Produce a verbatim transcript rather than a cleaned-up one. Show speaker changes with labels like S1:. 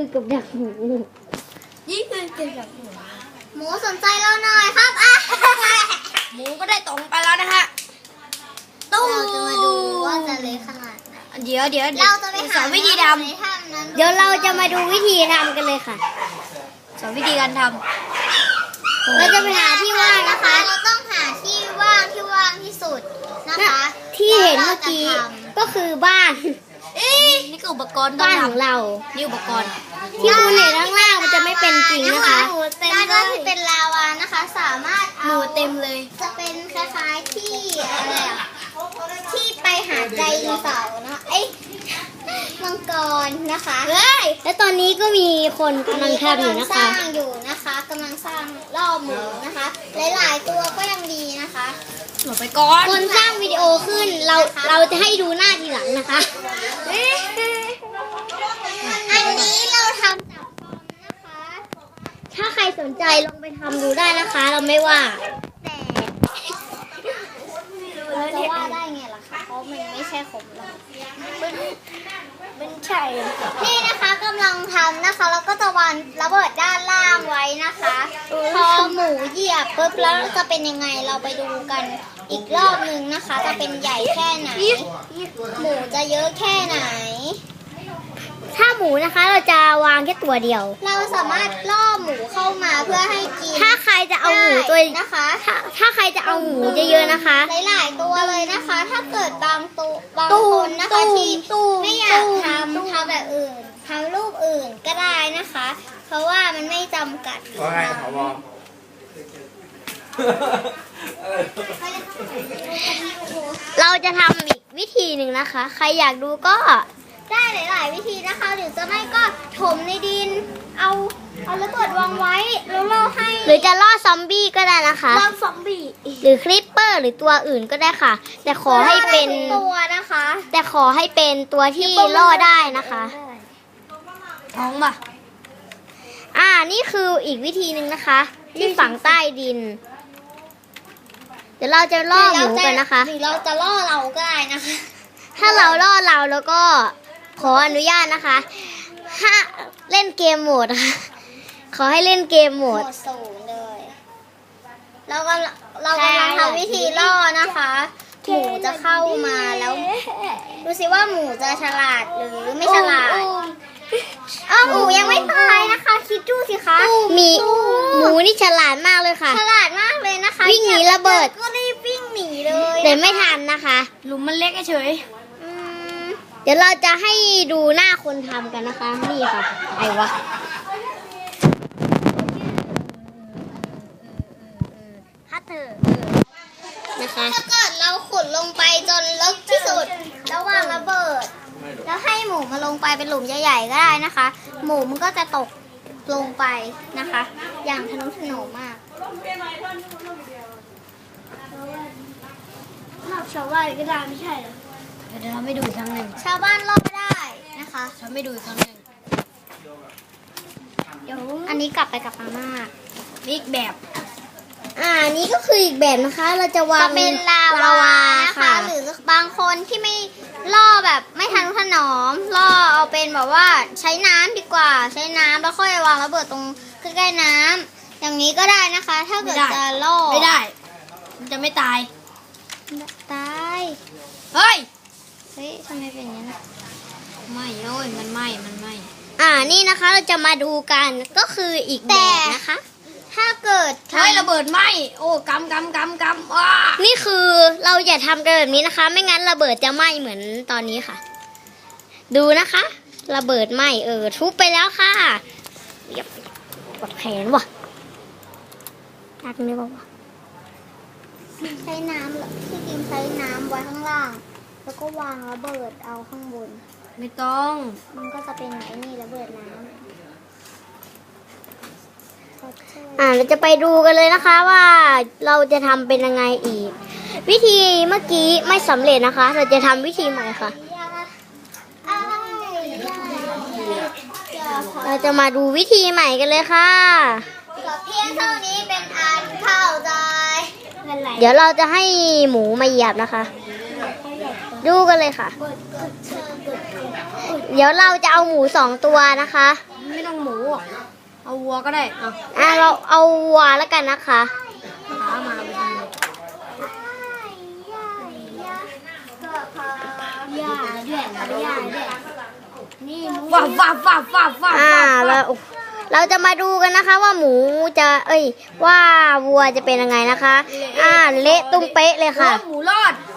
S1: กับดักหมู
S2: นี่คือเกี่ยวกับหมู
S3: หมูสนใจเราหน่อยครับอ่ะ
S2: หมูก็ได้ตรงไปแล้วนะฮะ
S3: ตู้เราจะมาดูว่าจะเละขนาดไหน
S2: เดี๋ยวเดี๋ยว
S3: เราจะไป
S2: สอนวิธีท
S1: ำเดี๋ยวเราจะมาดูวิธีทำกันเลยค่ะ
S2: สอนวิธีการท
S1: ำเราจะไปหาที่ว่างนะคะ
S3: เราต้องหาที่ว่างที่ว่างที่สุดนะคะ
S1: ที่เห็นเมื่อกี้ก็คือบ้าน
S2: นี่คืออุปกรณ์
S1: บ้านของเรา
S2: นี่อุปกรณ์
S1: ที่คุณเห็นข้างล่างมันจะไม่เป็นจริงนะคะ
S3: ด้านล่างที่เป็นลาวานะคะสามารถ
S2: หมูเต็มเลย
S3: จะเป็นคล้ายๆที่อะไรอ่ะที่ไปหาใจดีเสานะไอ้มังกรนะคะ
S1: เฮ้ยและตอนนี้ก็มีคนกำลังทำอยู่นะคะ
S3: สร้างอยู่นะคะกำลังสร้างล่อหมูนะคะหลายๆตัวก็ยังดีนะคะ
S2: หลบไปก่อน
S1: คนสร้างวิดีโอขึ้นเราเราจะให้ดูหน้าทีหลังนะคะ
S3: อันนี้เราทำจากฟอมนะคะ
S1: ถ้าใครสนใจลองไปทำดูได้นะคะเราไม่ว่า
S3: แต่เราจะว่าได้ไงล่ะคะเพราะมันไม่ใช่ของเรา
S2: มันใช่
S3: นี่นะคะกำลังทำนะคะแล้วก็จะวางระเบิดด้านล่างไว้นะคะพอหมูเหยียบปุ๊บแล้วจะเป็นยังไงเราไปดูกันอีกรอบนึงนะคะจะเป็นใหญ่แค่ไหนหมูจะเยอะแค่ไหน
S1: ถ้าหมูนะคะเราจะวางแค่ตัวเดียว
S3: เราสามารถล่อหมูเข้ามาเพื่อให้กิน
S1: ถ้าใครจะเอาหมูตัว
S3: นะคะ
S1: ถ้าถ้าใครจะเอาหมูเยอะๆนะคะ
S3: หลายๆตัวเลยนะคะถ้าเกิดบางตัวบางคนนะคะที่ไม่อยากทำทำแบบอื่นทำรูปอื่นก็ได้นะคะเพราะว่ามันไม่จำกัด
S4: ว่าไงผบ
S1: เราจะทำอีกวิธีหนึ่งนะคะใครอยากดูก็
S3: ได้หลายๆวิธีนะคะหรือจะไม่ก็ถมในดินเอาเอาระเบิดวางไว้แล้วล่อให้
S1: หรือจะล่อซอมบี้ก็ได้นะคะ
S3: ล่อซอมบี้
S1: หรือคลิปเปอร์หรือตัวอื่นก็ได้ค่ะแต่ขอให้เป็น
S3: ตัวนะคะ
S1: แต่ขอให้เป็นตัวที่ล่อได้นะคะ
S2: ท้องป่ะ
S1: อ่านี่คืออีกวิธีหนึ่งนะคะที่ฝังใต้ดินเดี๋ยวเราจะล่อหมูกันนะคะ
S3: หรือเราจะล่อเราก็ได้นะคะ
S1: ถ้าเราล่อเราแล้วก็ขออนุญาตนะคะถ้าเล่นเกมโหมดค่ะขอให้เล่นเกมโหมด
S3: สูงเลยเรากำลังเรากำลังทำวิธีล่อนะคะหมูจะเข้ามาแล้วดูสิว่าหมูจะฉลาดหรือไม่ฉลาดอ้าวหมูยังไม่ตายนะคะคิดดูสิคะ
S1: มีหมูนี่ฉลาดมากเลยค่ะ
S3: ฉลาดมากเลยนะคะ
S1: วิ่งหนีระเบิด
S3: ก็รีบวิ่งหนีเลย
S1: แต่ไม่ทันนะคะ
S2: หลุมมันเล็กเฉย
S1: เดี๋ยวเราจะให้ดูหน้าคนทำกันนะคะนี่ค่ะไอ้วะฮัตเตอร์นะคะ
S3: ถ้าเกิดเราขุดลงไปจนลึกที่สุดแล้ววางระเบิดแล้วให้หมูมาลงไปเป็นหลุมใหญ่ๆก็ได้นะคะ หมูมันก็จะตกลงไปนะคะ อย่างทะนุถนอมมากชาวบ้านก็ได้ไม่ใช่เหรอ
S2: เดี๋ยวทำให้ดูอีกครั้งหนึ่ง
S3: ชาวบ้านรอดได้นะคะ
S2: ทำให้ดูอีกครั้งหนึ่ง
S3: เดี๋ยวอันนี้กลับไปกับอาม่า
S2: อีกแบบ
S1: อ่านี้ก็คืออีกแบบนะคะเราจะวาง
S3: เป็นลาวานะคะหรือบางคนที่ไม่ล่อแบบไม่ทันถนอมล่อเอาเป็นแบบว่าใช้น้ำดีกว่าใช้น้ำแล้วค่อยวางระเบิดตรงใกล้ๆน้ำอย่างนี้ก็ได้นะคะ ถ้าเกิดจะล่อ
S2: ไม่ได้มันจะไม่ตาย
S3: ตาย
S2: เฮ้ย
S3: เฮ้ยทำไมเป็นอย่างนั้น
S2: ไม่โอ้ยมันไหม้มันไหม้
S1: อ่านี่นะคะเราจะมาดูกันก็คืออีกแบบนะคะ
S3: ถ้าเกิด
S2: ใช้ระเบิดไหมโอ้กำกำกำกำว้า
S1: นี่คือเราอย่าทำกันแบบนี้นะคะ ไม่งั้นระเบิดจะไหม้เหมือนตอนนี้ค่ะ ดูนะคะระเบิดไหม้เออทุบไปแล้วค่ะปวดแขนว่ะตักนี่ป่าวะ
S3: ใช้น้ำที่จริงใช้น้ำไว้ข้างล่างแล้วก็วางระเบิดเอาข้างบน
S2: ไม่ต้อง
S3: มันก็จะเป็นไอ้นี่ระเบิดน้ำ
S1: อ่าเราจะไปดูกันเลยนะคะว่าเราจะทำเป็นยังไงอีกวิธีเมื่อกี้ไม่สำเร็จนะคะเราจะทำวิธีใหม่ค่ะเราจะมาดูวิธีใหม่กันเลยค่ะ
S3: เพียงเท่านี้เป็นอันเข้าใจ
S1: เดี๋ยวเราจะให้หมูมาเหยียบนะคะดูกันเลยค่ะเดี๋ยวเราจะเอาหมูสองตัวนะคะ
S2: ไม่ต้องหมูหรอกเอาวัวก็ได้เอา
S1: อ่ะเราเอาวัวแล้วกันนะคะ
S2: ขามาไปทำเลย
S3: ย่าด้วยย่าด้วยนี่หมู
S2: ฟ้าฟ้าฟ้าฟ้าฟ้า
S1: อ่า
S2: ฟ้า
S1: แล้วเราจะมาดูกันนะคะว่าหมูจะ เอ้ย ว่าวัวจะเป็นยังไงนะคะ อ่า เละตุ้มเป๊ะเลยค่ะ
S2: หมูรอด